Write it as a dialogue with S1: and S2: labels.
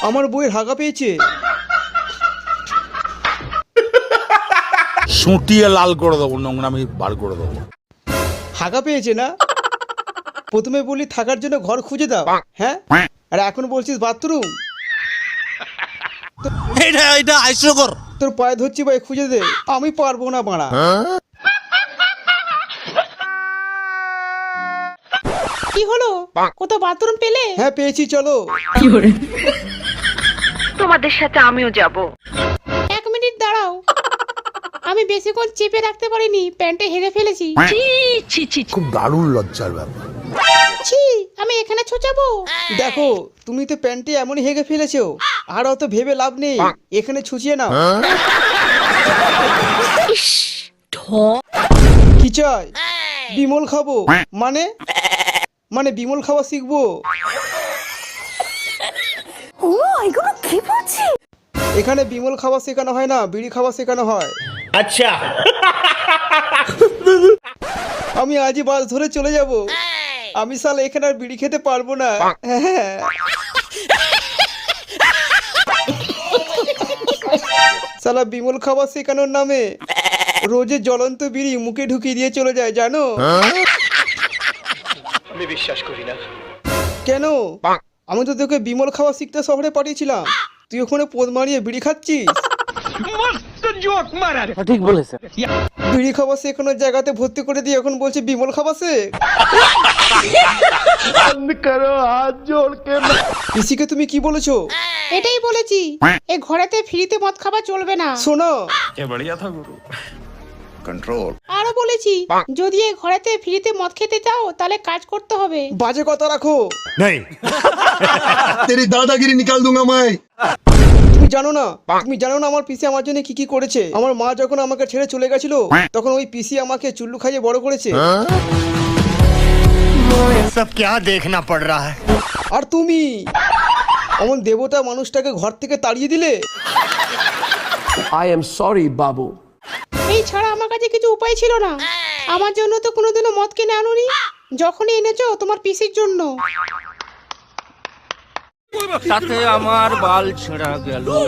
S1: আমার বউয়ের হাগা পেয়েছে।
S2: সুটিয়ে লাল করে দেবো, নোংরামি বার করে দেবো।
S1: হাগা পেয়েছে না? প্রথমে বলি থাকার জন্য ঘর খুঁজে দাও, হ্যাঁ, আর এখন বলছিস বাথরুম।
S2: এটা হাস্যকর।
S1: তোর পায়ে ধরছি ভাই, খুঁজে দে। আমি পারবো না বাড়া।
S3: কি হলো, কোথাও বাথরুম পেলে?
S1: হ্যাঁ পেয়েছি, চলো।
S4: তোমাদের সাথে আমিও যাব।
S3: 1 মিনিট দাঁড়াও, আমি বেশিক্ষণ চেপে রাখতে পারিনি, প্যান্টে হেরে ফেলেছি।
S4: ছি ছি ছি।
S2: খুব দারুণ লজ্জার ব্যাপার।
S3: ছি, আমি এখানে ছোচাবো?
S1: দেখো তুমি তো প্যান্টে এমনই হেগে ফেলেছো, আর অত ভেবে লাভ নেই, এখানে ছুচিয়ে নাও। কি চাই? বিমল খাবো? মানে মানে বিমল খাওয়া শিখবো। এখানে বিমল খাওয়া শেখানো হয় না, বিড়ি খাওয়া শেখানো হয়।
S5: আচ্ছা।
S1: আমি আজই বাস ধরে চলে যাব। আমি শালা এখানে আর বিড়ি খেতে পারবো না। হ্যাঁ। শালা বিমল খাওয়া শেখানোর নামে রোজে জ্বলন্ত বিড়ি মুখে ঢুকিয়ে দিয়ে চলে যায়, জানো?
S5: আমি বিশ্বাস করি না।
S1: কেন? আমি তো তোকে বিমল খাওয়া শিখতে শহরে পাঠিয়েছিলাম, তুই ওখানে পোদ মারিয়ে বিড়ি খাচ্ছিস।
S5: ঠিক বলেছে।
S1: বিড়ি খাওয়া শেখানোর জায়গাতে ভর্তি করে দিয়ে এখন বলছে বিমল খাওয়া শেখ। পিসিকে তুমি কি বলেছো?
S3: এটাই বলেছি, এ ঘরেতে ফ্রিতে মদ খাওয়া চলবে না।
S1: শোনো,
S3: আরো বলেছি, যদি এ ঘরেতে ফ্রিতে মদ খেতে চাও তাহলে কাজ করতে হবে।
S1: বাজে কথা রাখো।
S6: तेरी दादागिरी निकाल दूंगा मैं।
S1: তুমি জানো না আমার পিসি আমার জন্য কি কি করেছে। আমার মা যখন আমাকে ছেড়ে চলে গেছিল, তখন ওই পিসি আমাকে চুল্লু খাইয়ে বড় করেছে।
S6: सब क्या देखना पड़ रहा है।
S1: আর তুমি অমন দেবতা মানুষটাকে ঘর থেকে তাড়িয়ে দিলে।
S5: I am sorry, বাবু।
S3: এই ছাড়া আমার কাছে কিছু উপায় ছিল না। আমার জন্য তো কোনোদিনও মদ কিনে আনোনি, যখনই এনেছো তোমার পিসির জন্য।
S5: তাতে আমার বাল ছেঁড়া গেল।